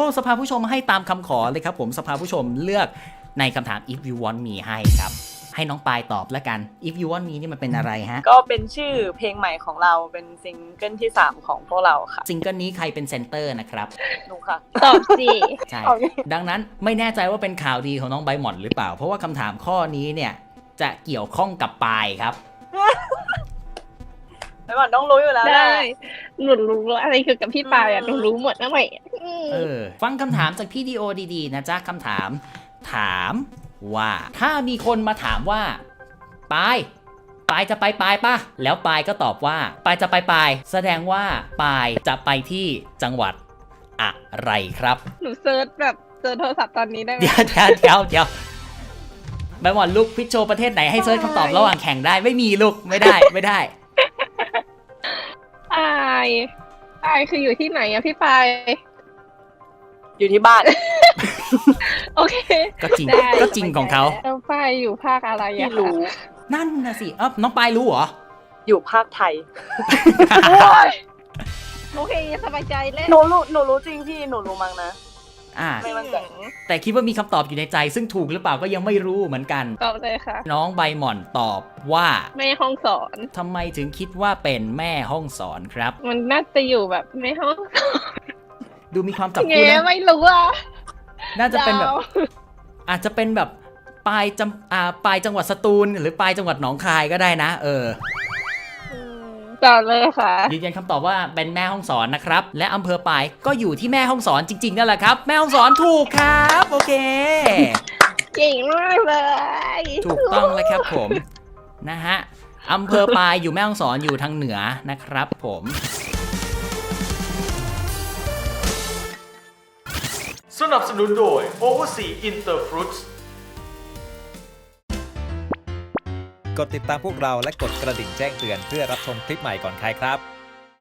สภาผู้ชมให้ตามคำขอเลยครับผมสภาผู้ชมเลือกในคำถาม if you want me ให้ครับให้น้องปายตอบแล้วกัน if you want me นี่มันเป็นอะไรฮะก็เป็นชื่อเพลงใหม่ของเราเป็นซิงเกิลที่3ของพวกเราค่ะซิงเกิลนี้ใครเป็นเซนเตอร์นะครับหนูค่ะตอบสิใช่ดังนั้นไม่แน่ใจว่าเป็นข่าวดีของน้องใบหม่อนหรือเปล่าเพราะว่าคำถามข้อนี้เนี่ยจะเกี่ยวข้องกับปายครับไม่ว่าต้องรู้อยู่แล้วได้หนูรู้อะไรเกี่ยวกับพี่ปายหนูรู้หมดนะใหม่ฟังคำถามจากพี่ดีโอดีๆนะจ๊ะคำถามว่าถ้ามีคนมาถามว่าปายจะไปป่ะแล้วปายก็ตอบว่าปายจะไปแสดงว่าปายจะไปที่จังหวัดอะไรครับหนูเซิร์ชแบบเจอโทรศัพท์ตอนนี้ได้ไหมเดี๋ยวใบหม่อนลูกพิชโชประเทศไหนให้เซิร์ชคำตอบระหว่างแข่งได้ไม่มีลูกไม่ได้ปายคืออยู่ที่ไหนอะพี่ปายอยู่ที่บ้านโอเคก็จริงของเขาแล้วปายอยู่ภาคอะไรอะรู้นั่นนะสิน้องปายรู้เหรออยู่ภาคไทยโอเคสบายใจเล่นหนูรู้จริงพี่หนูรู้มั้งนะไม่มั่นใจแต่คิดว่ามีคำตอบอยู่ในใจซึ่งถูกหรือเปล่าก็ยังไม่รู้เหมือนกันตอบเลยค่ะน้องใบหม่อนตอบว่าแม่ห้องสอนทำไมถึงคิดว่าเป็นแม่ห้องสอนครับมันน่าจะอยู่แบบแม่ห้องสอนดูมีความจับคู่นะไม่รู้อ่ะน่าจะเป็นแบบอาจจะเป็นแบบปลายจังหวัดสตูลหรือปลายจังหวัดหนองคายก็ได้นะต่อเลยค่ะยืนยันคำตอบว่าเป็นแม่ฮ่องสอนนะครับและอำเภอปายก็อยู่ที่แม่ฮ่องสอนจริงๆนั่นแหละครับแม่ฮ่องสอนถูกครับโอเคเก่งมากเลยถูกต้องแล้วครับผมนะฮะอำเภอปายอยู่แม่ฮ่องสอนอยู่ทางเหนือนะครับผมสนับสนุนโดย Oversea Interfruits กดติดตามพวกเราและกดกระดิ่งแจ้งเตือนเพื่อรับชมคลิปใหม่ก่อนใครครับ